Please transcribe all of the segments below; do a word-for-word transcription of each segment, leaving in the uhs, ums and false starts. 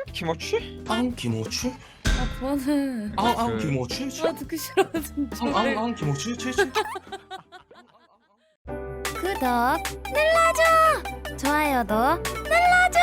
김어치? 앙 김오치? 아 그만해. 앙앙 김오치? 아 듣기 싫어 진짜. 앙앙 김오치? 칠칠? 구독 눌러줘. 좋아요도 눌러줘.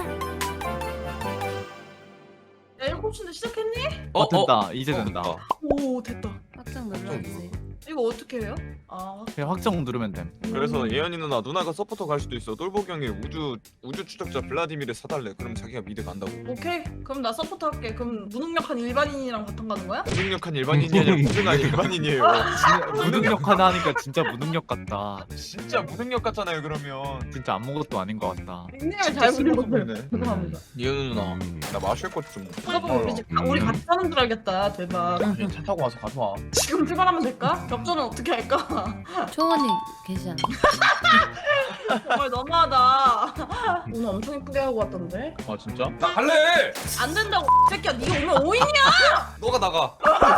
야 일곱 시인데 시작했니? 어 됐다. 이제 된다. 오 됐다. 확정 눌러야지. 이거 어떻게 해요? 아 그냥 확정 누르면 됨. 그래서 예언이 누나 누나가 서포터 갈 수도 있어. 똘보기 형이 우주 우주 추적자 블라디미르 사달래. 그럼 자기가 미드 간다고. 오케이. 그럼 나 서포터 할게. 그럼 무능력한 일반인이랑 바탕 가는 거야? 무능력한 일반인이 아니라 무능한 일반인이에요. 무능력 하나 하니까 진짜 무능력 같다. 진짜 무능력 같잖아요. 그러면 진짜 아무것도 아닌 것 같다. 닉네임을 잘 부르거든. 보이네. 죄송합니다. 예언이 누나 음. 나 마실 것 좀. 누가 보면 우리 집 아, 우리 같이 사는 줄 알겠다. 대박. 차 타고 와서 가져와. 지금 출발하면 될까? 격전은 어떻게 할까? 초원이 계시 않아? 정말 너무하다. 오늘 엄청 이쁘게 하고 왔던데. 아 진짜? 나 갈래! 안 된다고 이 새끼야. 네가 오면 오인이야. 너가 나가.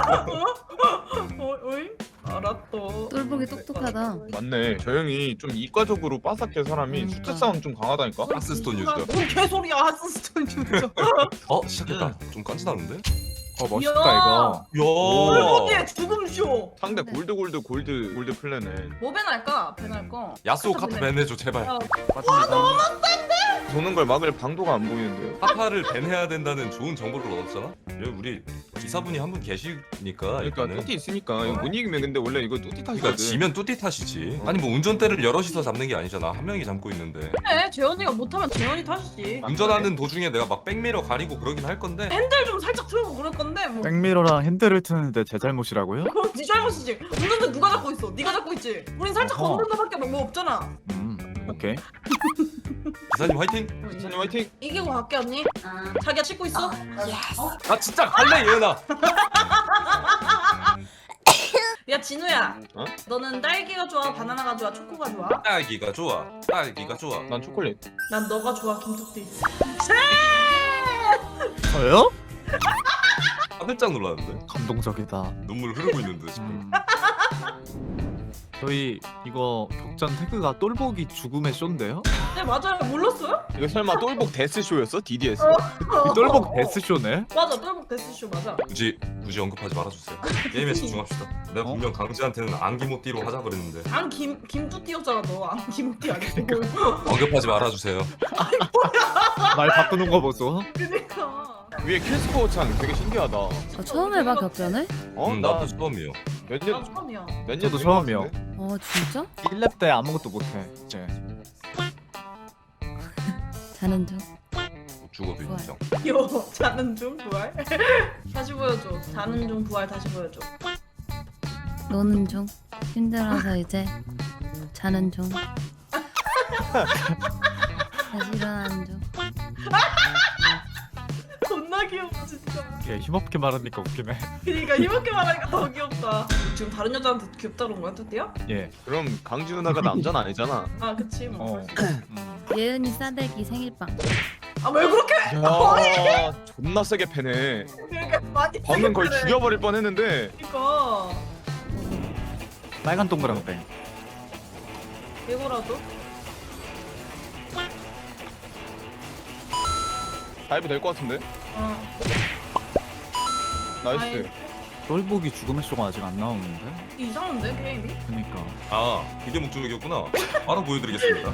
어, 오인? 알았어. 똘보기 똑똑하다. 맞네. 저 형이 좀 이과적으로 빠삭해 사람이 그러니까. 숫자 싸움 좀 강하다니까. 하스스톤 유저. 뭔 개소리야 하스스톤 유저. 어 시작했다. 좀 깐지나는데? 어 멋있다 이야. 이거. 야. 똘보기의 죽음쇼. 상대 골드 골드 골드 골드 플래네. 뭐 배날까? 배날 거. 야스오 카타 밴해줘 제발. 야, 도는 걸 막을 방도가 안 보이는데요. 카타를 밴해야 된다는 좋은 정보를 얻었잖아? 여기 우리 기사분이 한 분 계시니까 그러니까 일단은. 뚜띠 있으니까 이거 못 이기면 근데 원래 이거 뚜띠 탓이거든. 그러니까 지면 뚜띠 탓이지. 아니 뭐 운전대를 여럿이서 잡는 게 아니잖아. 한 명이 잡고 있는데. 그래 재현이가 못하면 재현이 탓이지. 운전하는 도중에 내가 막 백미러 가리고 그러긴 할 건데. 핸들 좀 살짝 틀고 그럴 건데 뭐. 백미러랑 핸들을 트는데 제 잘못이라고요? 그럼 네 잘못이지. 운전대 누가 잡고 있어? 네가 잡고 있지. 우린 살짝 어허. 건드는 거밖에 뭐 없잖아. 음 오케이. 기사님 화이팅! 기사님 화이팅! 이기고 갈게 언니. 자기야 씻고 있어? 나 진짜 갈래 예은아! 야 진우야. 어? 너는 딸기가 좋아? 바나나가 좋아? 초코가 좋아? 딸기가 좋아. 딸기가 좋아. 난 초콜릿. 난 너가 좋아 김툭띠. 저요? 깜짝 놀랐는데? 감동적이다. 눈물 흐르고 있는데 지금. 음. 저희 이거 격전 태그가 똘보기 죽음의 쇼인데요? 네 맞아요. 몰랐어요? 이거 설마 똘복 데스쇼였어? 디디에스? 이 똘복 데스 쇼네? 맞아 똘복 데스쇼 맞아. 굳이 굳이 언급하지 말아주세요. 게임에 집중합시다. 내가 어? 분명 강지한테는 안기모띠로 하자 그랬는데 안김 김뚜띠였잖아 너. 안김뚜띠 아니고. 언급하지 말아주세요. 말 바꾸는 거 보소. 그니까. 위에 캐스퍼 창 되게 신기하다. 어? 아, 처음 해봐 격전을? 음, 나 나도 처음이에요. 몇 나 년, 처음이야. 몇 년 저도 된 처음이요. 것 같은데? 어 진짜? 일 렙 때 아무것도 못해 이제. 자는 중. 죽어도 좋아요. 인정. 요 자는 중 부활. 다시 보여줘. 자는 중 부활 다시 보여줘. 노는 중. 힘들어서 이제 자는 중. 다시 일어나는 중. 겁나 귀여워 진짜. 이게 힘없게 말하니까 웃기네. 그러니까 힘없게 말하니까 더 귀엽다. 지금 다른 여자한테 귀엽다 그런 거야 뚜띠야? 예. 그럼 강지 누나가 남자는 아니잖아. 아 그치 뭐. 어. 음. 예은이 싸대기 생일빵. 아 왜 그렇게 야, 존나 세게 패네. 그렇게 많이 방금 거의 그래. 죽여버릴 뻔했는데. 그러니까 빨간 동그랑땡. 이거라도. 다이브 될 것 같은데? 어. 나이스. 똘보기 죽음의 쇼가 아직 안 나오는데? 이상한데 게임이? 그니까. 아 그게 목적이었구나. 바로 보여드리겠습니다.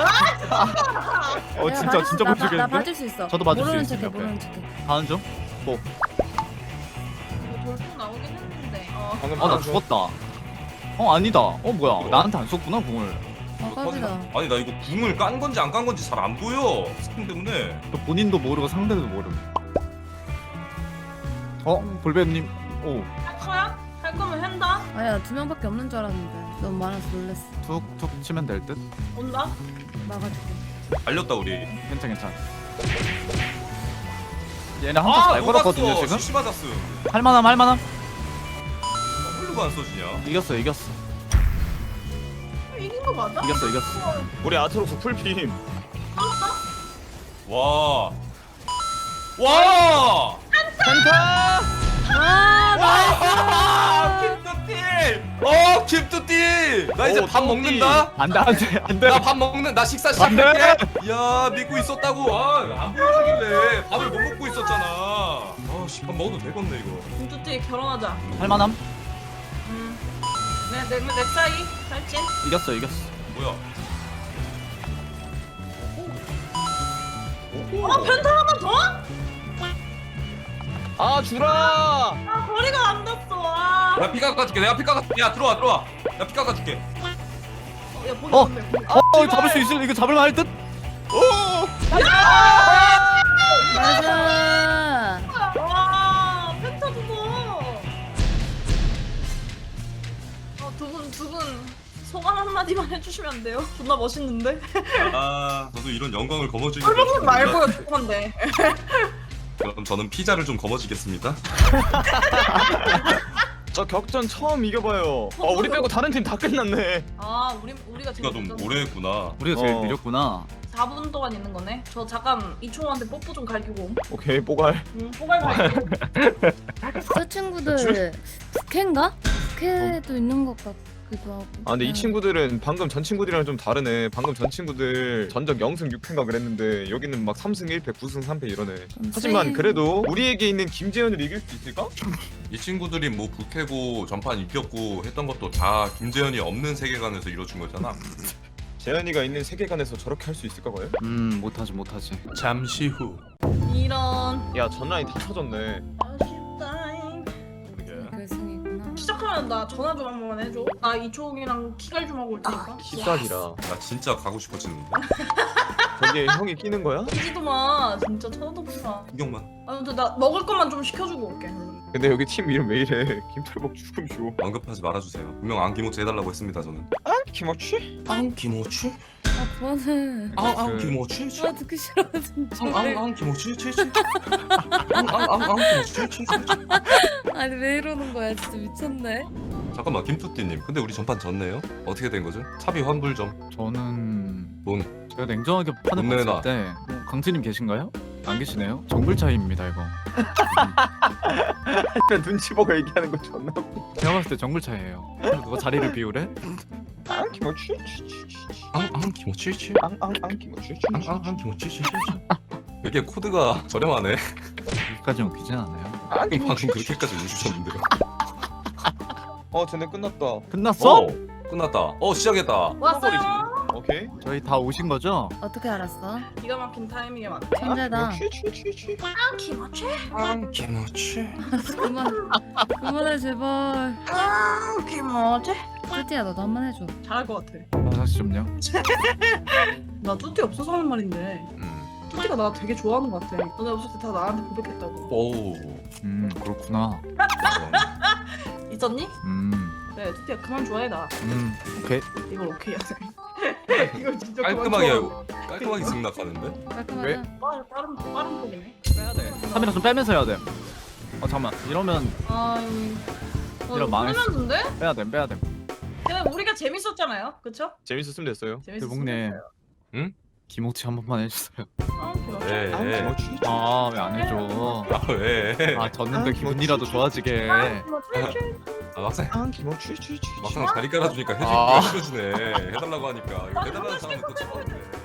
어 내가 진짜 봐줄 수- 진짜 나, 봐- 나 보시겠는데? 봐줄 수 있어. 저도 봐줄 수 모르는 있어요, 척해 옆에. 모르는 척해. 다음 중? 이거 돌풍 나오긴 했는데. 어. 방금 아 나 방금 죽었다. 어 아니다. 어 뭐야? 뭐야? 나한테 안 쏘구나 궁을. 아 깜이다. 아니 나 이거 궁을 깐 건지 안 깐 건지 잘 안 보여. 스킨 때문에. 또 본인도 모르고 상대도 모름. 어 볼베님. 오 할 거야? 할 거면 한다. 아야 두 명밖에 없는 줄 알았는데 너무 많아서 놀랬어. 툭툭 치면 될 듯. 온다. 막아줄게. 알렸다 우리. 괜찮 괜찮. 얘네 한타 잘 걸었거든요 지금. 시시 맞았어. 할만함 할만함. 홀루가 안 써지냐? 이겼어 이겼어 이긴 거 맞아? 이겼어 이겼어. 우리 아트록스 풀빔. 와. 와! 아 아! 김뚜띠! 어, 김뚜띠! 나 이제 오, 밥 뚜띠. 먹는다. 안돼 안돼 안돼. 나 밥 먹는 나 식사 안 돼! 시작할게. 야, 믿고 있었다고. 아, 안 보여주길래 밥을 못 먹고 먹어도 되겠네 이거. 김투띠 결혼하자. 할만함? 음. 내, 내, 내 사이 살찐. 이겼어 이겼어. 뭐야? 어 펜타 하나 더? 아 주라. 아 거리가 안 닿았어. 아. 내가 피 깎아줄게. 내가 피 깎아. 야 들어와 들어와. 내가 피 깎아줄게. 어, 야 보기 어. 좋네. 보기. 어, 어 잡을 수 있을 이거 잡을만 할 듯? 맞아. 와 펜타 두고. 어두분 두 분 소감 한마디만 해주시면 안 돼요? 존나 멋있는데? 아 저도 이런 영광을 거머쥐게. 꿀벅꿀 말고요 죄송한데. 그럼 저는 피자를 좀 거머쥐겠습니다. 저 격전 처음 이겨봐요. 아 우리 빼고 다른 팀 다 끝났네. 아 우리 우리가 제일 우리가 좀 늦었어. 오래 했구나. 우리가 제일 어. 느렸구나. 사 분 동안 있는 거네. 저 잠깐 이충호한테 뽀뽀 좀 갈기고. 옴. 오케이 뽀갈. 응 뽀갈 갈기고. 저 친구들 부캐인가? 부캐도 있는 것 같기도 하고. 아 근데 이 친구들은 방금 전 친구들이랑 좀 다르네. 방금 전 친구들 전적 영승 육패인가 그랬는데 여기는 막 삼승 일패, 구승 삼패 이러네. 좀 하지만 세- 그래도 우리에게 있는 김재현을 이길 수 있을까? 이 친구들이 뭐 북해고 전판 이겼고 했던 것도 다 김재현이 없는 세계관에서 이루어진 거잖아. 재현이가 있는 세계관에서 저렇게 할 수 있을까 과연? 음 못하지 못하지. 잠시 후. 이런. 야 전라인 다 터졌네. 아쉽다잉. 결승이구나. 시작하면 나 전화 좀 한 번만 해줘. 나 이충호이랑 키갈 좀 하고 올 테니까. 기싸기라. 나 진짜 가고 싶어지는데. 저기에 형이 끼는 거야? 끼지도 마. 진짜 쳐다도 보지 마. 구경만. 아무튼 나 먹을 것만 좀 시켜주고 올게. 근데 여기 팀 이름 왜 이래? 김철복 죽음쇼. 언급하지 말아주세요. 분명 안기모치 해달라고 했습니다 저는. 아 김어치? 안기모치? 아 그만해. 아 그- 안기모치? 아 듣기 싫어 진짜. 안기모치? 안기모치? 아니 왜 이러는 거야 진짜 미쳤네. 잠깐만 김투띠님. 근데 우리 전판 졌네요. 어떻게 된 거죠? 차비 환불 좀. 저는 돈. 제가 냉정하게 판을 돈 내놔. 봤을 때 뭐, 강진님 계신가요? 안 계시네요? 정글 차이입니다 이거. 눈치 보고 얘기하는 거 존나. 웃겨. 제가 봤을 때 정글 차이예요. 누가 자리를 비우래? 아 김어치? 안 안기모치? 앙앙앙 김어치? 안기모치? 이게 코드가 저렴하네. 여기까지는 웃기진 않아요. 아 방금 그렇게까지 해주셨는데요. 어 쟤네 끝났다. 끝났어? 어, 끝났다. 어 시작했다. 왔어요. 오케이. 저희 다 오신 거죠? 어떻게 알았어? 기가 막힌 타이밍에 맞네. 천재다. 취취취취. 아 김어치. 안기모치? 그만 그만해 제발. 아 김어치. 뚜띠야 너도 한 번 해줘. 잘할 것 같아. 아, 다시 좀요. 나 뚜띠 없어서 하는 말인데 음. 뚜띠가 나 되게 좋아하는 것 같아. 너네 없을 때 다 나한테 고백했다고. 오. 음 그렇구나. 있었니? 음, 네 뚜띠야 그만 좋아해 나. 음 오케이. 이걸 오케이 하자. 이걸 진짜 깔끔하게 그만 좋아해. 깔끔하게 승낙하는데? 깔끔하다. 왜? 빠른 빠른 빠른 폭이네. 빼야 돼. 카메라 좀 빼면서 해야 돼. 어 잠만. 이러면 아 어, 이런 망했어. 망했는데? 빼야 돼, 빼야 돼. 근데 우리가 재밌었잖아요, 그쵸? 재밌었으면 됐어요. 대복네. 응? 김옥치 한 번만 해주세요. 아, 김어치. 네. 아 김어치? 아 왜 안 해줘? 아 왜? 아 졌는데 아, 기분이라도 좋아지게. 김어치. 아 막상 아 김어치? 막상 자리 깔아주니까 해줄 아. 게 해주네. 해달라고 하니까 이거 해달라는 사람은 또 쳐봤는데.